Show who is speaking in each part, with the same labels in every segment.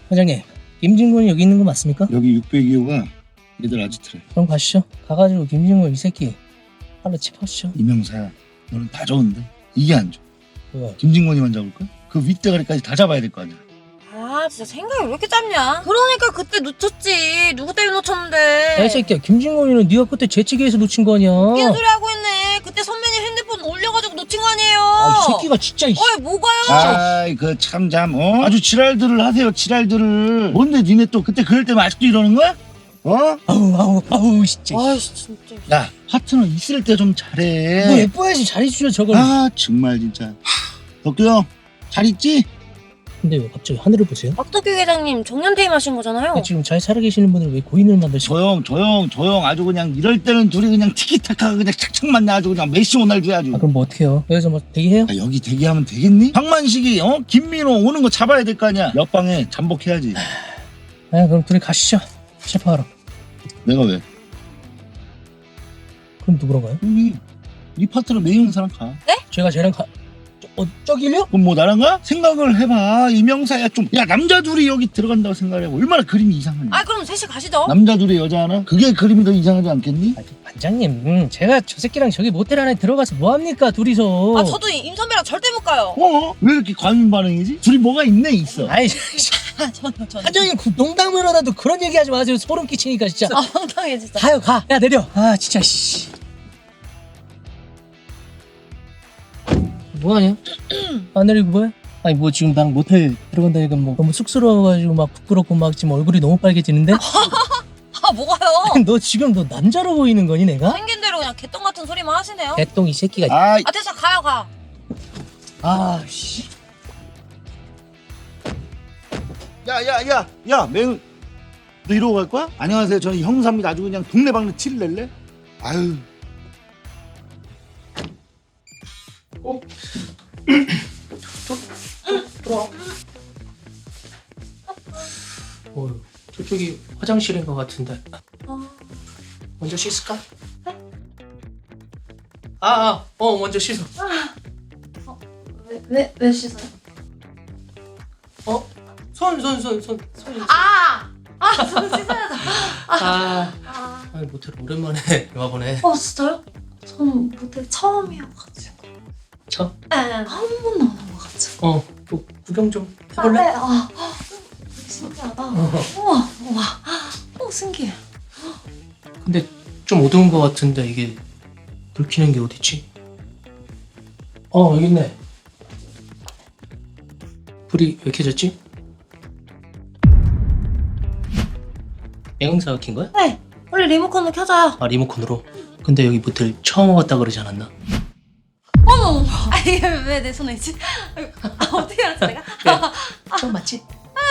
Speaker 1: 과장님, 김진곤이 여기 있는 거 맞습니까?
Speaker 2: 여기 602호가 얘들 아지트래.
Speaker 1: 그럼 가시죠. 가가지고 김진곤 이 새끼 팔로 짚어주죠.
Speaker 2: 이명사야, 너는 다 좋은데 이게 안 좋아.
Speaker 1: 왜?
Speaker 2: 김진곤이만 잡을까? 그 윗대가리까지 다 잡아야 될 거 아니야.
Speaker 3: 아 진짜 생각이 왜 이렇게 짧냐? 그러니까 그때 놓쳤지. 누구 때문에 놓쳤는데?
Speaker 1: 야, 이 새끼야, 김진곤이는 네가 그때 재치기에서 놓친 거 아니야?
Speaker 3: 웃긴 소리 하고 있네. 그때 선배님 핸드폰 올려가지고 놓친 거 아니에요?
Speaker 1: 아, 이 새끼가 진짜.
Speaker 3: 어이 뭐가요?
Speaker 2: 아이 그 참 아주 지랄들을 하세요. 지랄들을. 뭔데 니네 또 그때 그럴 때만 아직도 이러는 거야?
Speaker 1: 아우 진짜.
Speaker 3: 아이씨 진짜.
Speaker 2: 야, 파트너 있을 때 좀 잘해.
Speaker 1: 뭐 예뻐야지 잘해주죠 저걸.
Speaker 2: 아 정말 진짜. 덕규 형 잘 있지?
Speaker 1: 근데 왜 갑자기 하늘을 보세요?
Speaker 3: 박덕규 회장님 정년퇴임 하신 거잖아요.
Speaker 1: 지금 잘 살아계시는 분을 왜 고인을 만드시고?
Speaker 2: 조용. 아주 그냥 이럴 때는 둘이 그냥 티키타카 그냥 착착 맞네. 아주 그냥 메시 호날두 아주.
Speaker 1: 아, 그럼 뭐 어떡해요? 여기서 뭐 대기해요?
Speaker 2: 야, 여기 대기하면 되겠니? 황만식이 김민호 오는 거 잡아야 될 거 아니야. 옆방에 잠복해야지.
Speaker 1: 아, 그럼 둘이 가시죠. 체포하러.
Speaker 2: 내가 왜?
Speaker 1: 그럼 누구랑 가요?
Speaker 2: 여기 네 파트너 매형사랑 가.
Speaker 1: 제가 쟤랑 저길요?
Speaker 2: 그럼 뭐 나랑 가? 생각을 해봐. 이명사야 좀. 야 남자 둘이 여기 들어간다고 생각해. 얼마나 그림이 이상하냐.
Speaker 3: 아 그럼 셋이 가시죠.
Speaker 2: 남자 둘이 여자 하나? 그게 그림이 더 이상하지 않겠니?
Speaker 1: 아, 반장님, 제가 저 새끼랑 저기 모텔 안에 들어가서 뭐 합니까 둘이서?
Speaker 3: 아 저도 임 선배랑 절대 못 가요.
Speaker 2: 왜 이렇게 과민 반응이지? 둘이 뭐가 있네 있어.
Speaker 1: 아이,
Speaker 3: 저는.
Speaker 1: 반장님 농담을 하다도 그런 얘기하지 마세요. 소름 끼치니까 진짜.
Speaker 3: 아 황당해 진짜.
Speaker 1: 가요 가. 야 내려. 아 진짜 씨. 뭐하냐? 안 내리고 뭐해? 아니 뭐 지금 나랑 모텔 들어간다니까 뭐 너무 쑥스러워가지고 막 부끄럽고 막 지금 얼굴이 너무 빨개지는데?
Speaker 3: 아 뭐가요?
Speaker 1: 너 지금 너 남자로 보이는 거니 내가?
Speaker 3: 생긴 대로 그냥 개똥 같은 소리만 하시네요.
Speaker 1: 개똥 이 새끼가.
Speaker 2: 아,
Speaker 3: 아 됐어 가요 가.
Speaker 1: 아 씨.
Speaker 2: 야, 맹. 너 이러고 갈 거야? 안녕하세요. 저는 형사입니다. 아주 그냥 동네방네 티를 낼래? 아유.
Speaker 1: 들어와. 저쪽이 화장실인 것 같은데. 먼저 씻을까? 먼저 씻어.
Speaker 3: 왜 씻어요?
Speaker 1: 손.
Speaker 3: 손 씻어야죠.
Speaker 1: 아니 모텔 오랜만에 와보네.
Speaker 4: 진짜요? 저는 모텔 처음이어가지고
Speaker 1: 참.
Speaker 4: 한 번도 안 와가지고
Speaker 1: 또 구경 좀 해볼래?
Speaker 4: 네. 신기하다. 우와 신기해.
Speaker 1: 근데 좀 어두운 것 같은데 이게 불 켜는 게 어딨지? 여기 있네. 불이 왜 켜졌지? 영상가 킨 거야?
Speaker 4: 네, 원래 리모컨으로 켜져요.
Speaker 1: 아 리모컨으로? 근데 여기 모텔 처음 와봤다 그러지 않았나?
Speaker 4: 어머, 이게 왜 내 손에 있지? 어떻게 알았어 내가?
Speaker 1: 처음 맞지?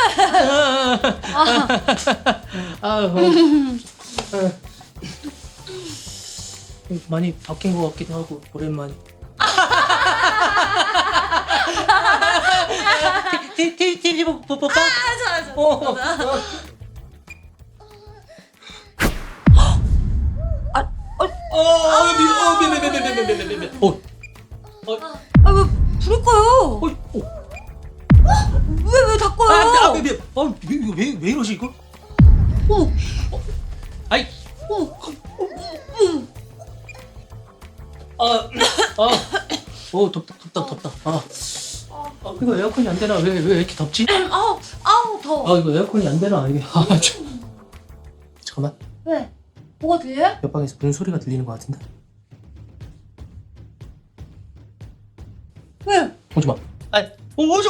Speaker 1: 많이 바뀐 것 같기도 하고 오랜만에. TV 볼까?
Speaker 4: 좋아.
Speaker 1: 미안.
Speaker 4: 불을 꺼요. 왜 닫고요?
Speaker 1: 왜 이러지 이거? 아이. 덥다. 이거 에어컨이 안 되나? 왜 이렇게 덥지?
Speaker 4: 아우 더워.
Speaker 1: 이거 에어컨이 안 되나? 이게 잠깐만.
Speaker 4: 왜? 뭐가 들려요?
Speaker 1: 옆방에서 무슨 소리가 들리는 것 같은데?
Speaker 4: 왜?
Speaker 1: 오지 마. 오지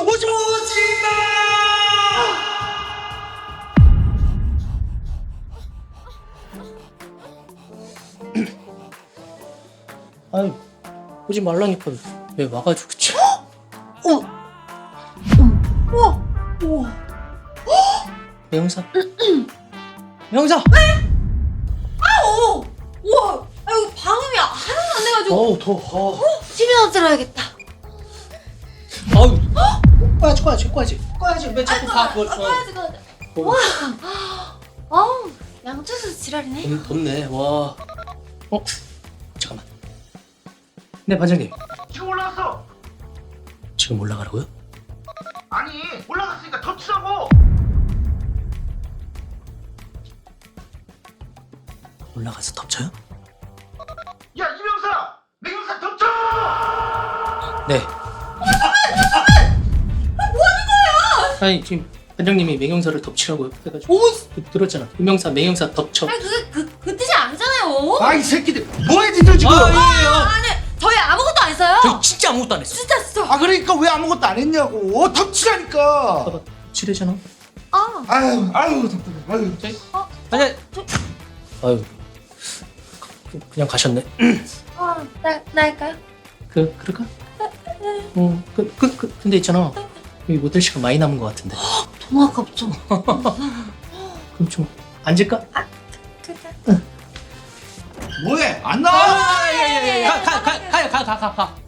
Speaker 1: 마. 오지 말라니까 왜 와가지고 그치?
Speaker 4: 우와.
Speaker 1: 명사. 명사.
Speaker 4: 우와. 이거 방음이 하나도 안 돼가지고.
Speaker 1: 더워.
Speaker 4: TV나 들어야겠다.
Speaker 1: 꺼야지. 왜 자꾸 가?
Speaker 4: 꺼야지. 와. 양쪽에서 지랄이네.
Speaker 1: 덥네. 와. 잠깐만. 네 반장님.
Speaker 2: 지금 올라갔어.
Speaker 1: 지금 올라가라고요?
Speaker 2: 아니 올라갔으니까 더 치라고.
Speaker 1: 올라가서 덮쳐요?
Speaker 2: 야 이명사! 매경사 덮쳐!
Speaker 1: 네. 아니 지금 반장님이 매경사를 덮치라고 해가지고 들었잖아. 이명사 매경사 덮쳐.
Speaker 4: 아니 그 뜻이 아니잖아요.
Speaker 2: 아이 새끼들 뭐해 니들 지금?
Speaker 4: 아니 저희 아무것도 안 했어요.
Speaker 1: 저 진짜 아무것도 안 했어.
Speaker 4: 진짜.
Speaker 2: 아 그러니까 왜 아무것도 안 했냐고 덮치라니까.
Speaker 1: 봐봐 칠해잖아.
Speaker 2: 아유 답답해. 아유.
Speaker 1: 아니 아유 그냥 가셨네.
Speaker 3: 나 할까요?
Speaker 1: 그럴까? 근데 있잖아 여기 모델 시간 많이 남은 것 같은데.
Speaker 4: 너무 아깝죠.
Speaker 1: 그럼 좀 앉을까?
Speaker 2: 뭐해? 안 나와?
Speaker 1: 가요 가.